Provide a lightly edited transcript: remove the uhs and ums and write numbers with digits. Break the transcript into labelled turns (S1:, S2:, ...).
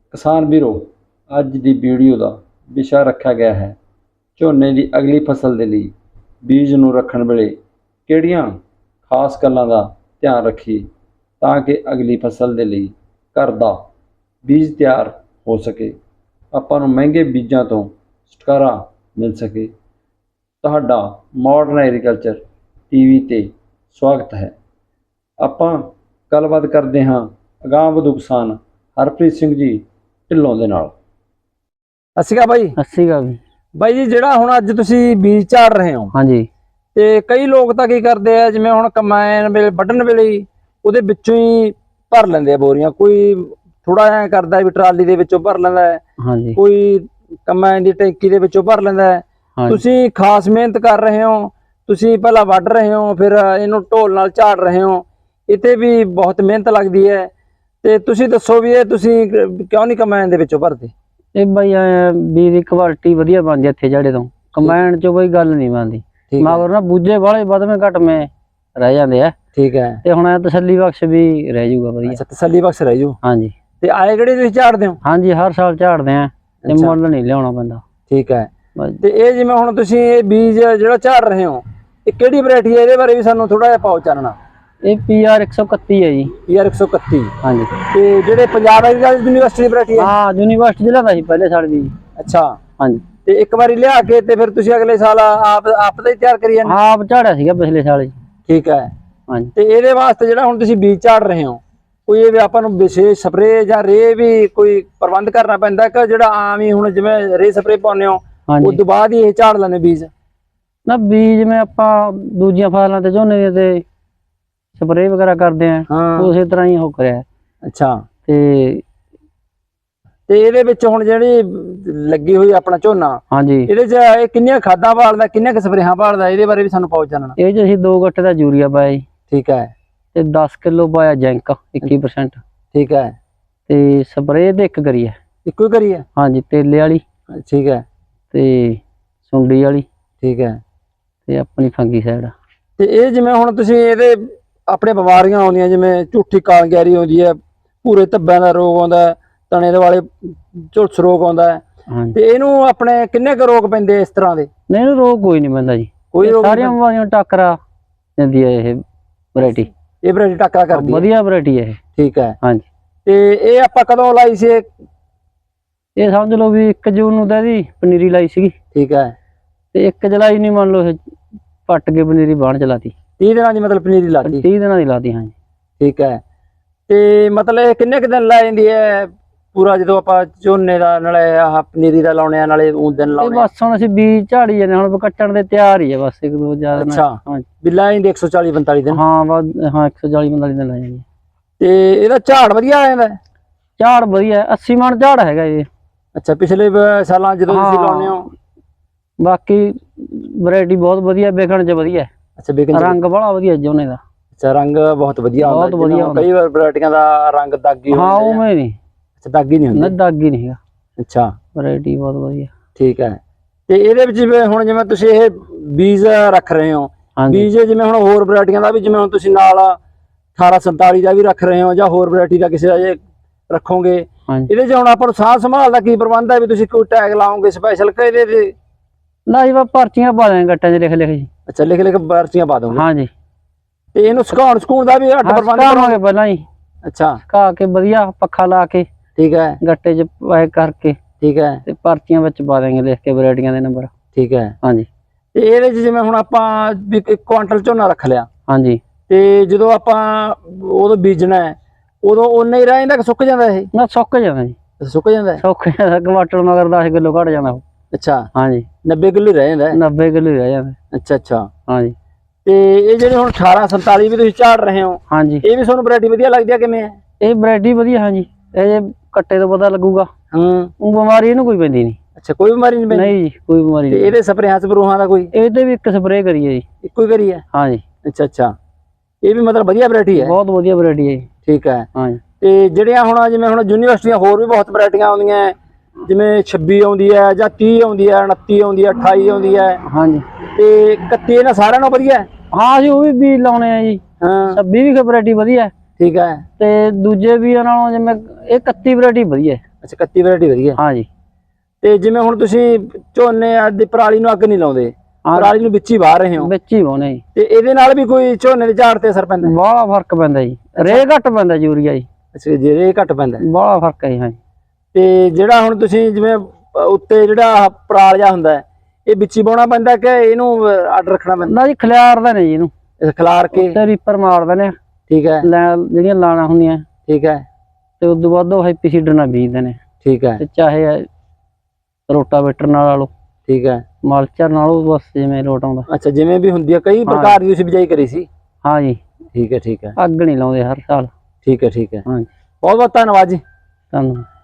S1: ਕਿਸਾਨ ਵੀਰੋ, ਅੱਜ ਦੀ ਵੀਡੀਓ ਦਾ ਵਿਸ਼ਾ ਰੱਖਿਆ ਗਿਆ ਹੈ ਝੋਨੇ ਦੀ ਅਗਲੀ ਫਸਲ ਦੇ ਲਈ ਬੀਜ ਨੂੰ ਰੱਖਣ ਵੇਲੇ ਕਿਹੜੀਆਂ ਖਾਸ ਗੱਲਾਂ ਦਾ ਧਿਆਨ ਰੱਖੀਏ ਤਾਂ ਕਿ ਅਗਲੀ ਫਸਲ ਦੇ ਲਈ ਘਰ ਦਾ ਬੀਜ ਤਿਆਰ ਹੋ ਸਕੇ, ਆਪਾਂ ਨੂੰ ਮਹਿੰਗੇ ਬੀਜਾਂ ਤੋਂ ਛੁਟਕਾਰਾ ਮਿਲ ਸਕੇ। ਤੁਹਾਡਾ ਮਾਡਰਨ ਐਗਰੀਕਲਚਰ ਟੀਵੀ ਤੇ ਸਵਾਗਤ ਹੈ। ਆਪਾਂ ਗੱਲਬਾਤ ਕਰਦੇ ਹਾਂ ਅਗਾਂਹ-ਵਧੂ ਕਿਸਾਨ ਹਰਪ੍ਰੀਤ ਸਿੰਘ ਜੀ ਢਿੱਲੋਂ ਦੇ ਨਾਲ।
S2: ਸਤਿ ਸ਼੍ਰੀ ਅਕਾਲ ਬਾਈ।
S3: ਸਤਿ ਸ਼੍ਰੀ ਅਕਾਲ
S2: ਬਾਈ ਜੀ, ਜਿਹੜਾ ਹੁਣ ਅੱਜ ਤੁਸੀਂ ਬੀਜ ਝਾੜ ਰਹੇ ਹੋ,
S3: ਹਾਂਜੀ,
S2: ਤੇ ਕਈ ਲੋਕ ਤਾਂ ਕੀ ਕਰਦੇ ਆ, ਜਿਵੇਂ ਹੁਣ ਕੰਬਾਈਨ ਵੇਲੇ ਵੱਢਣ ਵੇਲੇ ਹੀ ਉਹਦੇ ਵਿੱਚੋਂ ਹੀ ਭਰ ਲੈਂਦੇ ਆ ਬੋਰੀਆਂ। ਕੋਈ ਥੋੜਾ ਐ ਕਰਦਾ ਵੀ ਟਰਾਲੀ ਦੇ ਵਿੱਚੋਂ ਭਰ ਲੈਂਦਾ ਹੈ,
S3: ਹਾਂਜੀ,
S2: ਕੋਈ ਕੰਬਾਈਨ ਦੀ ਟੈਂਕੀ ਦੇ ਵਿੱਚੋਂ ਭਰ ਲੈਂਦਾ ਹੈ। ਤੁਸੀਂ ਖਾਸ ਮਿਹਨਤ ਕਰ ਰਹੇ ਹੋ, ਤੁਸੀਂ ਪਹਿਲਾਂ ਵੱਢ ਰਹੇ ਹੋ, ਫਿਰ ਇਹਨੂੰ ਢੋਲ ਨਾਲ ਝਾੜ ਰਹੇ ਹੋ, ਇੱਥੇ ਵੀ ਬਹੁਤ ਮਿਹਨਤ ਲੱਗਦੀ ਹੈ। ਤੇ ਤੁਸੀਂ ਦੱਸੋ ਵੀ ਇਹ ਤੁਸੀਂ ਕਿਉਂ ਨਹੀਂ ਕੰਬਾਈਨ ਦੇ ਵਿੱਚੋਂ ਭਰਦੇ?
S3: ਇਹ ਬਾਈ ਬੀਜ ਦੀ ਕੁਆਲਿਟੀ ਵਧੀਆ ਬਣਦੀ ਇੱਥੇ ਜਿਹੜੇ ਤੋਂ ਕੰਬਾਈਨ ਚੋਂ ਕੋਈ ਗੱਲ ਨਹੀਂ ਬਣਦੀ। ਮਗਰ ਨਾ ਬੂਝੇ ਵਾਲੇ ਵਧਵੇਂ ਘਟਵੇਂ ਰਹਿ ਜਾਂਦੇ ਆ।
S2: ਠੀਕ ਹੈ।
S3: ਤੇ ਹੁਣ ਤਸੱਲੀ ਬਖਸ਼ ਵੀ ਰਹਿ ਜਾਊਗਾ ਵਧੀਆ।
S2: ਅੱਛਾ, ਤਸੱਲੀ ਬਖਸ਼ ਰਹਿ ਜੂ।
S3: ਹਾਂਜੀ।
S2: ਤੇ ਆਏ ਕਿਹੜੇ ਤੁਸੀਂ ਝਾੜਦੇ ਹੋ?
S3: ਹਾਂਜੀ, ਹਰ ਸਾਲ ਝਾੜਦੇ ਆ ਤੇ ਮੁੱਲ ਨਹੀਂ ਲਿਆਉਣਾ ਪੈਂਦਾ।
S2: ਠੀਕ ਹੈ। ਤੇ ਇਹ ਜਿਵੇਂ ਹੁਣ ਤੁਸੀਂ ਇਹ ਬੀਜ ਜਿਹੜਾ ਝਾੜ ਰਹੇ ਹੋ, ਇਹ ਕਿਹੜੀ ਵੈਰਾਈਟੀ ਹੈ? ਇਹਦੇ ਬਾਰੇ ਵੀ ਸਾਨੂੰ ਥੋੜਾ ਜਿਹਾ ਪਾਓ ਚਾਨਣਾ।
S3: ਇਹ PR 131 ਹੈ ਜੀ।
S2: PR 131।
S3: ਹਾਂਜੀ।
S2: ਤੇ ਜਿਹੜੇ ਪੰਜਾਬ ਐਗਰੀਕਲਚਰ ਯੂਨੀਵਰਸਿਟੀ ਦੀ ਵੈਰਾਈਟੀ ਹੈ?
S3: ਹਾਂ, ਯੂਨੀਵਰਸਿਟੀ ਜ਼ਿਲ੍ਹਾ ਦਾ ਸੀ ਪਹਿਲੇ ਸਾਲ ਵੀ।
S2: ਅੱਛਾ।
S3: ਹਾਂਜੀ।
S2: ਤੇ ਇੱਕ ਵਾਰੀ ਲਿਆ ਕੇ ਤੇ ਫਿਰ ਤੁਸੀਂ ਅਗਲੇ ਸਾਲ ਆਪ ਦਾ ਹੀ ਤਿਆਰ ਕਰੀ ਜਾਂਦੇ?
S3: ਆਪ ਝਾੜਿਆ ਸੀਗਾ ਪਿਛਲੇ ਸਾਲ ਜੀ।
S2: ਠੀਕ ਹੈ।
S3: ਹਾਂਜੀ।
S2: ਤੇ ਇਹਦੇ ਵਾਸਤੇ ਜਿਹੜਾ ਹੁਣ ਤੁਸੀਂ ਬੀਜ ਝਾੜ ਰਹੇ ਹੋ, ਕੋਈ ਇਹ ਵੀ ਆਪਾਂ ਨੂੰ ਵਿਸ਼ੇਸ਼ ਸਪਰੇਅ ਜਾਂ ਰੇ ਵੀ ਕੋਈ ਪ੍ਰਬੰਧ ਕਰਨਾ ਪੈਂਦਾ ਕਿ ਜਿਹੜਾ ਆਮ ਹੀ ਹੁਣ ਜਿਵੇਂ ਰੇ ਸਪਰੇਅ ਪਾਉਂਦੇ ਹੋ ਉਸ ਤੋਂ ਬਾਅਦ ਹੀ ਇਹ ਝਾੜ ਲੈਂਦੇ ਬੀਜ?
S3: ਨਾ, ਬੀਜ ਜਿਵੇਂ ਆਪਾਂ ਦੂਜੀਆਂ ਫਸਲਾਂ ਤੇ ਝੋਨੇ ਦੇ ਤੇ ਸਪਰੇਅ ਵਗੈਰਾ ਕਰਦੇ ਆ, ਉਸੇ ਤਰ੍ਹਾਂ ਹੀ ਹੋ ਕਰਿਆ।
S2: ਅੱਛਾ।
S3: ਤੇ
S2: ਇਹਦੇ ਵਿੱਚ ਹੁਣ ਜਿਹੜੀ ਲੱਗੀ ਹੋਈ ਆਪਣਾ ਝੋਨਾ,
S3: ਹਾਂਜੀ,
S2: ਇਹਦੇ ਚ ਇਹ ਕਿੰਨੀਆਂ ਖਾਦਾਂ ਭਾਲਦਾ, ਕਿੰਨੀਆਂ ਕੁ ਸਪਰੇਹਾਂ ਭਾਲਦਾ? ਇਹਦੇ ਬਾਰੇ ਵੀ ਸਾਨੂੰ ਪਾਓ ਜਾਣਨਾ।
S3: ਇਹ ਚ ਅਸੀਂ 2 ਗੱਟੇ ਦਾ ਯੂਰੀਆ ਪਾਇਆ ਜੀ।
S2: ਠੀਕ ਹੈ।
S3: ਤੇ 10 ਕਿਲੋ ਪਾਇਆ ਜ਼ਿੰਕ 21%।
S2: ਠੀਕ ਹੈ।
S3: ਤੇ ਸਪਰੇਅ ਤੇ ਇੱਕ ਕਰੀ ਹੈ।
S2: ਇੱਕੋ ਹੀ ਕਰੀ ਹੈ?
S3: ਹਾਂਜੀ, ਤੇਲੇ ਵਾਲੀ।
S2: ਠੀਕ ਹੈ।
S3: ਤੇ ਸੁੰਡੀ ਵਾਲੀ।
S2: ਠੀਕ ਹੈ।
S3: ਤੇ ਆਪਣੀ ਫੰਗੀ ਸਾਈਡ।
S2: ਤੇ ਇਹ ਜਿਵੇਂ ਹੁਣ ਤੁਸੀਂ ਇਹਦੇ ਆਪਣੇ ਬਿਮਾਰੀਆਂ ਆਉਂਦੀਆਂ, ਜਿਵੇਂ ਝੂਠੀ ਕਾਲਗੈਰੀ ਆਉਂਦੀ ਹੈ, ਭੂਰੇ ਧੱਬਿਆਂ ਦਾ ਰੋਗ ਆਉਂਦਾ, ਤਣੇ ਦੇ ਵਾਲੇ ਝੁਲਸ ਰੋਗ ਆਉਂਦਾ ਹੈ, ਤੇ ਇਹਨੂੰ ਆਪਣੇ ਕਿੰਨੇ ਕੁ ਰੋਗ ਪੈਂਦੇ ਇਸ ਤਰ੍ਹਾਂ ਦੇ?
S3: ਨਹੀਂ, ਇਹਨੂੰ ਰੋਗ ਕੋਈ ਨਹੀਂ ਪੈਂਦਾ ਜੀ। ਕੋਈ ਸਾਰੀਆਂ ਬਿਮਾਰੀਆਂ ਟੱਕਰਾ ਦਿੰਦੀ ਹੈ ਇਹ ਵੈਰਾਈਟੀ।
S2: ਇਹ ਵੈਰਾਈਟੀ ਟੱਕਰਾ ਕਰਦੀ ਹੈ? ਵਧੀਆ
S3: ਵੈਰਾਈਟੀ ਹੈ ਇਹ।
S2: ਠੀਕ ਹੈ।
S3: ਹਾਂਜੀ।
S2: ਤੇ ਇਹ ਆਪਾਂ ਕਦੋਂ ਲਾਈ ਸੀ?
S3: ਇਹ ਸਮਝ ਲਓ ਵੀ 1 ਜੂਨ ਨੂੰ ਤਾਂ ਇਹਦੀ ਪਨੀਰੀ ਲਾਈ ਸੀਗੀ।
S2: ਠੀਕ ਹੈ।
S3: ਤੇ 1 ਜੁਲਾਈ ਨੂੰ ਮੰਨ ਲਓ ਇਹ ਪੱਟ ਕੇ ਪਨੀਰੀ ਬਾਣ ਚਲਾਤੀ।
S2: 30 ਦਿਨਾਂ ਦੀ ਮਤਲਬ ਪਨੀਰੀ ਲਾਤੀ?
S3: 30 ਦਿਨਾਂ ਦੀ ਲਾਤੀ। ਹਾਂਜੀ।
S2: ਠੀਕ ਹੈ। ਤੇ ਮਤਲਬ ਇਹ ਕਿੰਨੇ ਕੁ ਦਿਨ ਲਾ ਜਾਂਦੀ ਹੈ ਪੂਰਾ, ਜਦੋਂ ਆਪਾਂ ਝੋਨੇ ਦਾ ਨਾਲੇ ਆਹ ਪਨੀਰੀ ਦਾ ਲਾਉਣੇ ਆ ਨਾਲੇ ਉਹ ਦਿਨ ਲਾਉਣੇ?
S3: ਬਸ ਹੁਣ ਅਸੀਂ ਬੀਜ ਝਾੜੀ ਜਾਂਦੇ, ਹੁਣ ਕੱਟਣ ਦੇ ਤਿਆਰ ਹੀ ਹੈ ਬਸ। 1-2 ਜ਼ਿਆਦਾ।
S2: ਅੱਛਾ, ਵੀ ਲਾ ਜਾਂਦੀ 140-45 ਦਿਨ?
S3: ਹਾਂ, ਬਸ। ਹਾਂ, 140-45 ਦਿਨ ਲਾ ਜਾਂਦੀ।
S2: ਤੇ ਇਹਦਾ ਝਾੜ ਵਧੀਆ ਆ ਜਾਂਦਾ?
S3: ਝਾੜ ਵਧੀਆ, 80 ਮਣ ਝਾੜ ਹੈਗਾ ਇਹ।
S2: ਅੱਛਾ, ਪਿਛਲੇ ਸਾਲਾਂ ਜਦੋਂ ਤੁਸੀਂ ਲਾਉਣੇ ਹੋ?
S3: ਬਾਕੀ ਵੈਰਾਈਟੀ ਬਹੁਤ ਵਧੀਆ, ਵਿਕਣ ਚ ਵਧੀਆ।
S2: ਅੱਛਾ, ਵਿਕਣ
S3: ਰੰਗ ਬੜਾ ਵਧੀਆ ਝੋਨੇ ਦਾ।
S2: ਅੱਛਾ, ਰੰਗ ਬਹੁਤ ਵਧੀਆ ਆਉਂਦਾ?
S3: ਬਹੁਤ ਵਧੀਆ।
S2: ਕਈ ਵਾਰ ਵੈਰਾਈਟੀਆਂ ਦਾ ਰੰਗ ਦਾਗੀ ਹੁੰਦਾ।
S3: ਹਾਂ, ਉਵੇਂ ਨਹੀਂ।
S2: ਅੱਛਾ, ਦਾਗੀ ਨਹੀਂ ਹੁੰਦਾ?
S3: ਨਾ, ਦਾਗੀ ਨਹੀਂ ਹੈਗਾ।
S2: ਅੱਛਾ,
S3: ਵੈਰਾਈਟੀ ਬਹੁਤ ਵਧੀਆ।
S2: ਠੀਕ ਹੈ। ਤੇ ਇਹਦੇ ਵਿੱਚ ਜਿਵੇਂ ਹੁਣ ਜਿਵੇਂ ਤੁਸੀਂ ਇਹ ਬੀਜ ਰੱਖ ਰਹੇ ਹੋ, ਬੀਜ ਜਿਵੇਂ ਹੁਣ ਹੋਰ ਵੈਰਾਈਟੀਆਂ ਦਾ ਵੀ, ਜਿਵੇਂ ਹੁਣ ਤੁਸੀਂ ਨਾਲ 1847 ਦਾ ਵੀ ਰੱਖ ਰਹੇ ਹੋ ਜਾਂ ਹੋਰ ਵੈਰਾਈਟੀ ਦਾ ਕਿਸੇ ਦਾ ਜੇ ਰੱਖੋਗੇ, ਇਹਦੇ ਚ ਹੁਣ ਆਪਾਂ ਨੂੰ ਸਾਂਭ ਸੰਭਾਲ ਦਾ ਕੀ ਪ੍ਰਬੰਧ ਹੈ? ਵੀ ਤੁਸੀਂ ਕੋਈ ਟੈਗ ਲਾਓਗੇ ਸਪੈਸ਼ਲ ਕਿ ਇਹਦੇ ਤੇ?
S3: ਨਾ ਜੀ, ਪਰਚੀਆਂ ਪਾ ਦੇਣਗੇ ਗੱਟਾਂ 'ਚ ਲਿਖ ਜੀ।
S2: ਅੱਛਾ, ਲਿਖ ਪਰਚੀਆਂ ਪਾ ਦੋਗੇ?
S3: ਹਾਂਜੀ।
S2: ਤੇ ਇਹਨੂੰ ਸੁਕਾਉਣ ਦਾ ਵੀ ਅੱਡ ਪ੍ਰਬੰਧ
S3: ਕਰਾਂਗੇ ਪਹਿਲਾਂ ਹੀ।
S2: ਅੱਛਾ,
S3: ਸੁਕਾ ਕੇ ਵਧੀਆ ਪੱਖਾ ਲਾ ਕੇ। ਠੀਕ ਹੈ। ਗੱਟੇ 'ਚ ਪੈਕ ਕਰਕੇ। ਠੀਕ ਹੈ। ਤੇ ਪਰਚੀਆਂ ਵਿੱਚ ਪਾ ਦੇਣਗੇ ਲਿਖ ਕੇ ਵੈਰਾਈਟੀਆਂ ਦੇ ਨੰਬਰ। ਠੀਕ ਹੈ। ਹਾਂਜੀ।
S2: ਤੇ ਇਹਦੇ 'ਚ ਜਿਵੇਂ ਹੁਣ ਆਪਾਂ 1 ਕੁਆਂਟਲ ਝੋਨਾ ਰੱਖ ਲਿਆ। ਹਾਂਜੀ। ਤੇ ਜਦੋਂ ਆਪਾਂ ਉਦੋਂ ਬੀਜਣਾ ਹੈ, ਉਦੋਂ ਓਨਾ ਹੀ ਰਹਿ ਜਾਂਦਾ ਕਿ ਸੁੱਕ ਜਾਂਦਾ? ਇਹ
S3: ਨਾ, ਸੁੱਕ ਜਾਂਦਾ ਜੀ। ਸੁੱਕ ਜਾਂਦਾ? ਕੁਆਂਟਲ ਮਗਰ 10 ਕਿਲੋ ਘਟ ਜਾਂਦਾ ਉਹ। ਅੱਛਾ। ਹਾਂਜੀ। 90 ਕਿਲੋ ਰਹਿ ਜਾਂਦਾ? 90 ਕਿਲੋ ਰਹਿ ਜਾਂਦਾ। ਅੱਛਾ ਅੱਛਾ। ਹਾਂਜੀ। ਤੇ ਇਹ ਜਿਹੜੇ ਹੁਣ 1847 ਵੀ ਤੁਸੀਂ ਝਾੜ ਰਹੇ ਹੋ? ਹਾਂਜੀ। ਇਹ ਵੀ ਤੁਹਾਨੂੰ ਵੈਰਾਈਟੀ ਵਧੀਆ ਲੱਗਦੀ ਹੈ? ਕਿਵੇਂ ਹੈ ਇਹ ਵੈਰਾਈਟੀ? ਵਧੀਆ। ਹਾਂਜੀ। ਇਹ ਜੇ ਕੱਟੇ ਤੋਂ ਪਤਾ ਲੱਗੂਗਾ। ਬਿਮਾਰੀ ਇਹਨੂੰ ਕੋਈ ਪੈਂਦੀ ਨਹੀਂ। ਅੱਛਾ, ਕੋਈ ਬਿਮਾਰੀ ਨਹੀਂ ਪੈਂਦੀ? ਨਹੀਂ ਜੀ, ਕੋਈ ਬਿਮਾਰੀ ਨਹੀਂ। ਇਹਦੇ ਸਪਰੇਹਾਂ ਸਪਰੂਹਾਂ ਦਾ ਕੋਈ? ਇਹਦੇ ਵੀ 1 ਸਪਰੇਅ ਕਰੀਏ ਜੀ। ਇੱਕੋ ਹੀ ਕਰੀ ਹੈ? ਹਾਂਜੀ। ਅੱਛਾ ਅੱਛਾ। ਇਹ ਵੀ ਮਤਲਬ ਵਧੀਆ ਵੈਰਾਈਟੀ ਹੈ? ਬਹੁਤ ਵਧੀਆ ਵੈਰਾਈਟੀ ਹੈ ਜੀ। ਠੀਕ ਹੈ। ਹਾਂਜੀ। ਤੇ ਜਿਹੜੀਆਂ ਹੁਣ ਜਿਵੇਂ ਹੁਣ ਯੂਨੀਵਰਸਿਟੀਆਂ ਹੋਰ ਵੀ ਬਹੁਤ ਵੈਰਾਈਟੀਆਂ ਆਉਂਦੀਆਂ, ਜਿਵੇਂ 26 ਆਉਂਦੀ ਹੈ ਜਾਂ 30 ਆਉਂਦੀ ਹੈ, 29 ਆਉਂਦੀ ਹੈ, 28 ਆਉਂਦੀ ਹੈ। ਹਾਂਜੀ। ਤੇ 31 ਇਹਨਾਂ ਸਾਰਿਆਂ ਨਾਲੋਂ ਵਧੀਆ? ਹਾਂ ਜੀ, ਉਹ ਵੀ ਬੀਜ ਲਾਉਣੇ ਆ ਜੀ। ਹਾਂ। 26 ਵੀ ਵੈਰਾਈਟੀ ਵਧੀਆ। ਠੀਕ ਹੈ। ਤੇ ਦੂਜੇ ਬੀਜਾਂ ਨਾਲੋਂ ਜਿਵੇਂ ਇਹ 31 ਵੈਰਾਈਟੀ ਵਧੀਆ।
S2: ਅੱਛਾ 31 ਵੈਰਾਈਟੀ ਵਧੀਆ।
S3: ਹਾਂਜੀ।
S2: ਤੇ ਜਿਵੇਂ ਹੁਣ ਤੁਸੀਂ ਝੋਨੇ ਦੀ ਪਰਾਲੀ ਨੂੰ ਅੱਗ ਨਹੀਂ ਲਾਉਂਦੇ, ਪਰਾਲੀ ਨੂੰ ਵਿੱਚ ਹੀ ਵਾਹ ਰਹੇ ਹੋ?
S3: ਵਿੱਚ ਹੀ ਵਾਹੁੰਦੇ ਜੀ।
S2: ਤੇ ਇਹਦੇ ਨਾਲ ਵੀ ਕੋਈ ਝੋਨੇ ਦੇ ਝਾੜ ਤੇ ਅਸਰ ਪੈਂਦਾ?
S3: ਬਾਹਲਾ ਫਰਕ ਪੈਂਦਾ ਜੀ, ਰੇ ਘੱਟ ਪੈਂਦਾ ਯੂਰੀਆ ਜੀ।
S2: ਅੱਛਾ ਜੇ ਰੇ ਘੱਟ ਪੈਂਦਾ,
S3: ਬਾਹਲਾ ਫਰਕ ਹੈ ਜੀ। ਹਾਂਜੀ।
S2: ਤੇ ਜਿਹੜਾ ਹੁਣ ਤੁਸੀਂ ਜਿਵੇਂ ਉੱਤੇ ਜਿਹੜਾ ਪਰਾਲ ਜਿਹਾ ਹੁੰਦਾ ਹੈ, ਇਹ ਵਿੱਚ ਹੀ ਵਾਹੁਣਾ ਪੈਂਦਾ ਕਿ ਇਹਨੂੰ ਅੱਡ ਰੱਖਣਾ ਪੈਂਦਾ?
S3: ਨਾ ਜੀ ਖਿਲਾਰਦਾ ਨੇ ਜੀ ਇਹਨੂੰ,
S2: ਖਿਲਾਰ ਕੇ
S3: ਤੇ ਰੀਪਰ ਮਾਰਦੇ ਨੇ।
S2: ਠੀਕ ਹੈ।
S3: ਜਿਹੜੀਆਂ ਲਾਣਾ ਹੁੰਦੀਆਂ,
S2: ਠੀਕ ਹੈ।
S3: ਤੇ ਉਦੋਂ ਬਾਅਦ ਉਹ ਹੈਪੀਸੀਡਰ ਨਾਲ ਬੀਜਦੇ ਨੇ।
S2: ਠੀਕ ਹੈ।
S3: ਤੇ ਚਾਹੇ ਰੋਟਾਵੇਟਰ ਨਾਲ ਲਾ ਲਓ,
S2: ਠੀਕ ਹੈ,
S3: ਮਲਚਰ ਨਾਲ, ਬਸ ਜਿਵੇਂ ਲੋਟ ਆਉਂਦਾ।
S2: ਅੱਛਾ ਜਿਵੇਂ ਵੀ ਹੁੰਦੀ ਹੈ, ਕਈ ਪ੍ਰਕਾਰ ਦੀ ਤੁਸੀਂ ਬਿਜਾਈ ਕਰੀ ਸੀ?
S3: ਹਾਂ ਜੀ।
S2: ਠੀਕ ਹੈ, ਠੀਕ ਹੈ।
S3: ਅੱਗ ਨਹੀਂ ਲਾਉਂਦੇ ਹਰ ਸਾਲ।
S2: ਠੀਕ ਹੈ, ਠੀਕ ਹੈ।
S3: ਹਾਂਜੀ।
S2: ਬਹੁਤ ਬਹੁਤ ਧੰਨਵਾਦ ਜੀ।
S3: ਧੰਨਵਾਦ।